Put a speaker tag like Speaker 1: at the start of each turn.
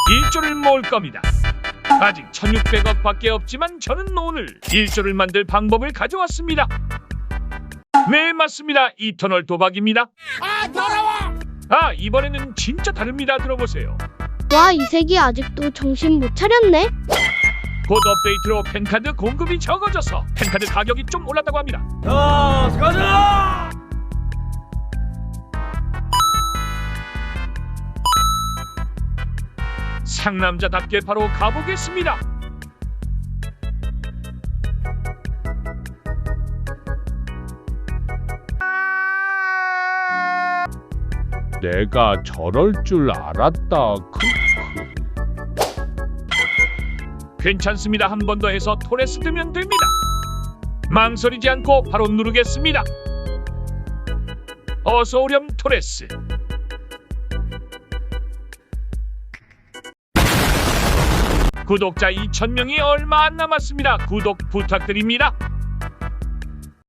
Speaker 1: 1조를 모을 겁니다. 아직 1600억 밖에 없지만 저는 오늘 1조를 만들 방법을 가져왔습니다. 네, 맞습니다. 이터널 도박입니다. 이번에는 진짜 다릅니다. 들어보세요.
Speaker 2: 와, 이색이 아직도 정신 못 차렸네.
Speaker 1: 곧 업데이트로 펜카드 공급이 적어져서 펜카드 가격이 좀 올랐다고 합니다.
Speaker 3: 자, 가자!
Speaker 1: 상남자답게 바로 가보겠습니다.
Speaker 4: 내가 저럴 줄 알았다.
Speaker 1: 괜찮습니다. 한 번 더 해서 토레스 뜨면 됩니다. 망설이지 않고 바로 누르겠습니다. 어서 오렴 토레스. 구독자 2000명이 얼마 안 남았습니다. 구독 부탁드립니다.